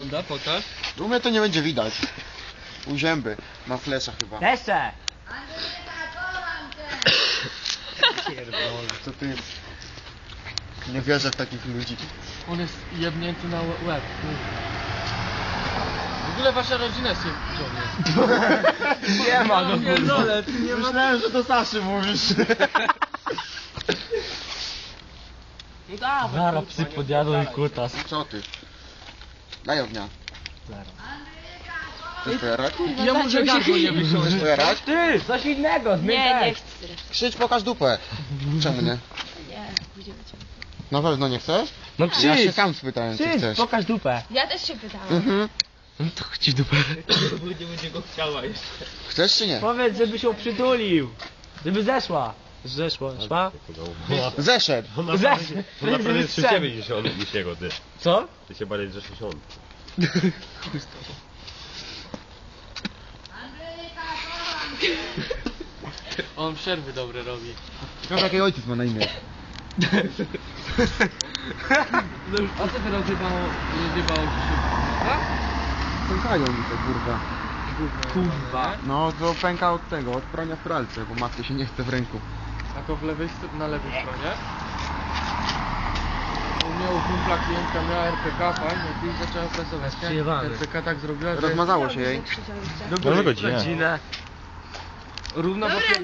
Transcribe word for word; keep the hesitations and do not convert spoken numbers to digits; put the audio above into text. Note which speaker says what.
Speaker 1: Da, pokaż.
Speaker 2: U mnie to nie będzie widać. U zęby. Ma flesza chyba.
Speaker 3: Desze!
Speaker 2: Co ty... Nie wierzę w takich ludzi.
Speaker 1: On jest jebnięty na łe- łeb. W ogóle wasza rodzina jest jest.
Speaker 3: Nie ma, no
Speaker 1: pierdolę, ty nie ma...
Speaker 2: Myślałem, że to Saszy mówisz.
Speaker 1: No dawaj.
Speaker 3: Zara psy podjadą i kutas.
Speaker 2: Co ty? Daj ognia.
Speaker 3: Zara.
Speaker 2: Chcesz pojarać?
Speaker 1: Ja muszę gardło nie wysiąść.
Speaker 2: Chcesz pojarać?
Speaker 3: Ty, coś innego, zmień
Speaker 4: Nie, nie
Speaker 3: tekst.
Speaker 4: chcę.
Speaker 2: Krzycz, pokaż dupę. Czemu nie?
Speaker 4: Nie, pójdziemy cię.
Speaker 2: Na pewno nie chcesz?
Speaker 3: No
Speaker 2: Ja się
Speaker 3: krzycz!
Speaker 2: sam spytałem, czy
Speaker 3: Krzycz,
Speaker 2: chcesz.
Speaker 3: pokaż dupę.
Speaker 4: Ja też się pytałam.
Speaker 2: Mhm.
Speaker 3: No to chodź w dupę.
Speaker 1: Nie będzie go chciała jeszcze.
Speaker 2: Chcesz czy nie?
Speaker 3: Powiedz, żeby się przytulił. Żeby zeszła. Zeszła, szła?
Speaker 2: Zeszedł.
Speaker 3: Zeszła.
Speaker 5: Ona prawie jest przy ciebie niż on, niż jego, ty.
Speaker 3: Co?
Speaker 5: Ty się bardziej drzesz niż on.
Speaker 1: On przerwy dobre robi.
Speaker 2: Ciekawe jaki ojciec ma na imię.
Speaker 1: A co ty rozjebało, rozjebało ci się? A?
Speaker 2: Pękają mi to kurwa.
Speaker 3: Kurwa.
Speaker 2: No to pęka od tego, od prania w pralce, bo matce się nie chce w ręku.
Speaker 1: Jako w lewej, st- na lewej stronie. U mnie u kumpla klientka miała R P K, fajnie, i zaczęła pracować.
Speaker 3: Przyjebany.
Speaker 1: R P K tak zrobiła, że
Speaker 2: Rozmazało się jej.
Speaker 3: Do
Speaker 5: godzinę.
Speaker 3: godzinę.
Speaker 1: równo po